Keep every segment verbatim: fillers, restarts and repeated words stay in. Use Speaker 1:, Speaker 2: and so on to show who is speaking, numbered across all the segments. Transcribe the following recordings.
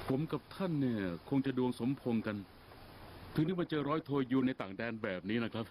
Speaker 1: ผมกับท่านเนี่ยคงจะดวงสมพงษ์กันถึงได้มาเจอร้อยโทยูในต่างแดนแบบนี้นะครับ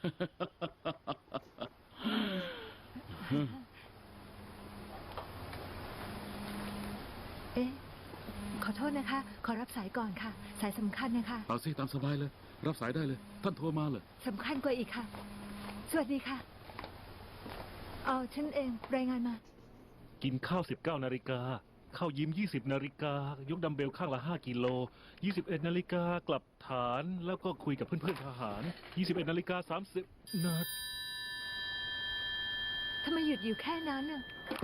Speaker 2: เอ๊ะ ขอโทษนะคะ ขอรับสายก่อนค่ะ สายสำคัญนะคะ
Speaker 1: เอาสิตามสบายเลย รับสายได้เลย ท่านโทรมาเลย
Speaker 2: สำคัญกว่าอีกค่ะ สวัสดีค่ะ เอาฉันเองรายงานมา
Speaker 3: กินข้าวสิบเก้านาฬิกาเข้ายิมยี่สิบนาฬิกายกดัมเบลข้างละห้ากิโลยี่สิบเอ็ดนาฬิกากลับฐานแล้วก็คุยกับเพื่อนๆทหารยี่สิบเอ็ดนาฬิกาสามสิบนาที
Speaker 2: ทำไมหยุดอยู่แค่นั้นน่ะ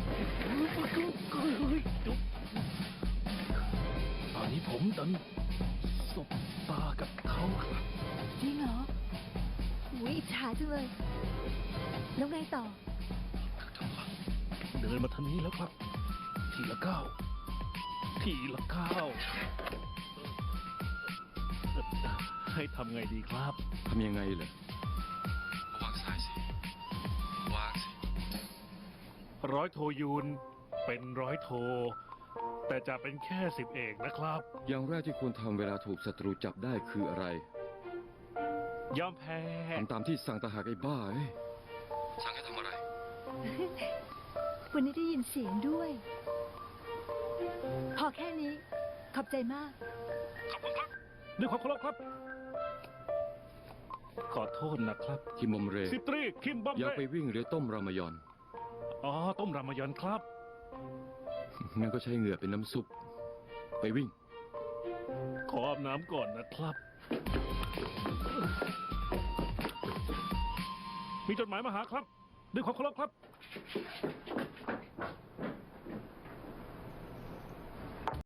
Speaker 3: ตอนนี้ผมดันสบตากับเขาครับ
Speaker 2: จริงเหรออุ๊ยอิจฉาจังเลย แล้วไงต่อ
Speaker 3: เดินมาทางนี้แล้วครับ ทีละก้าวทีละก้าวให้ทำไงดีครับ
Speaker 1: ทำยังไงเหรอ
Speaker 4: วางสายสิ วางสิ
Speaker 3: ร้อยโทยูนเป็นร้อยโท แต่จะเป็นแค่สิบเอกนะครับ
Speaker 5: อย่างแรกที่ควรทำเวลาถูกศัตรูจับได้คืออะไร
Speaker 3: ยอมแพ้
Speaker 5: ทำตามที่สั่งตาหากไอ้บ้าเอ้ย
Speaker 4: สั่งให้ทำอะไร
Speaker 2: วันนี้ได้ยินเสียงด้วย พอแค่นี้ ขอบใจมาก
Speaker 3: ขอบคุณครับด้วยความเคารพครับ ขอโทษนะครับ
Speaker 5: คิมบอมเร
Speaker 3: สิบตรีคิมบอม
Speaker 5: อย่า
Speaker 3: เบ้
Speaker 5: ไปวิ่งหรือต้มรามายอน
Speaker 3: อ๋อ ต้มรามยอนครับ
Speaker 5: งั้นก็ใช้เหงื่อเป็นน้ำซุป ไปวิ่ง
Speaker 3: ขออาบน้ำก่อนนะครับ มีจดหมายมาหาครับ ด้วยความเคารพครับ